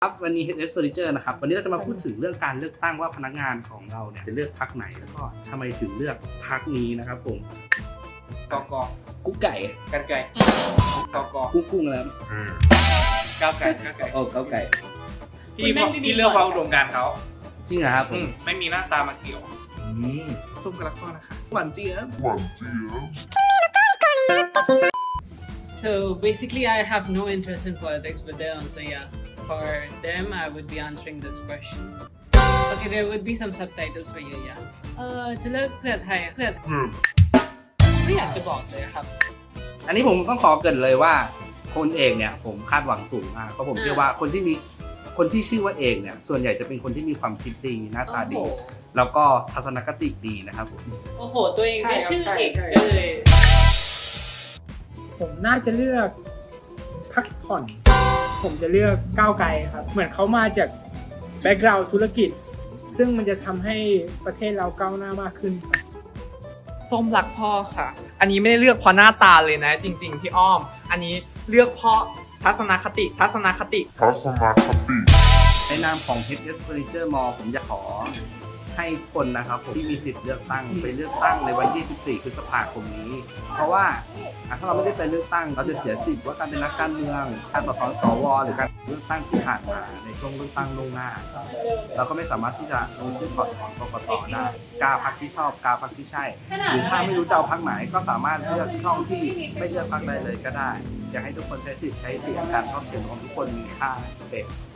ครับวันนี้ HS Furniture นะครับวันนี้เราจะมาพูดถึงเรื่องการเลือกตั้งว่าพนักงานของเราเนี่ยจะเลือกพรรคไหนแล้วก็ทำไมถึงเลือกพรรคนี้นะครับผมกกกุ๊กไก่กันไก่กกกุ้งอะไรก้าวไก่โอ้เก้าไก่พี่เลือกความอุดมการณ์เขาจริงเหรอครับผมไม่มีหน้าตามาเกี่ยวส้มกระลักพ่อนะคะหวานเจี๊ยบ So basically, I have no interest in politics, but then so yeah, for them, I would be answering this question. Okay, there would be some subtitles for you, yeah. จะเลิกเพื่อไทยเพื่อไม่อยากจะบอกเลยครับอันนี้ผมต้องขอเกริ่นเลยว่าคนเอกเนี่ยผมคาดหวังสูงมากเพราะผมเชื่อว่าคนที่ชื่อว่าเอกเนี่ยส่วนใหญ่จะเป็นคนที่มีความคิดดีหน้าตาดี แล้วก็ทัศนคติดีนะครับผมโอ้โห ตัวเองได้ชื่อเอกใช่เลยผมน่าจะเลือกพักผ่อน ผมจะเลือกก้าวไกลครับ เหมือนเขามาจากแบ็กกราวด์ธุรกิจ ซึ่งมันจะทำให้ประเทศเราก้าวหน้ามากขึ้นครับส้มรักพ่อค่ะ อันนี้ไม่ได้เลือกเพราะหน้าตาเลยนะ จริงๆพี่อ้อม อันนี้เลือกเพราะทัศนคติในนามของ HS Furniture Mall ผมอยากขอให้คนนะครับผมที่มีสิทธิ์เลือกตั้งไปเลือกตั้งในวันที่14พฤษภาคมนี้ เพราะว่าถ้าเราไม่ได้ไปเลือกตั้งเราจะเสียสิทธิ์ว่าการเป็นนักการเมืองการต่อต้านสวหรือการเลือกตั้งที่ผ่านมาในช่วงเลือกตั้งล่วงหน้า เราก็ไม่สามารถที่จะลงชื่อถอดถอนกกตได้กาพรรคที่ชอบกาพรรคที่ใช่ หรือถ้าไม่รู้จะเอาพรรคไหนก็สามารถเลือกช่องที่ไม่เลือกพรรคใดเลยก็ได้อยากให้ทุกคนใช้สิทธิ์ใช้เสียงการเข้าเสียงของทุกคนมีค่าโอเค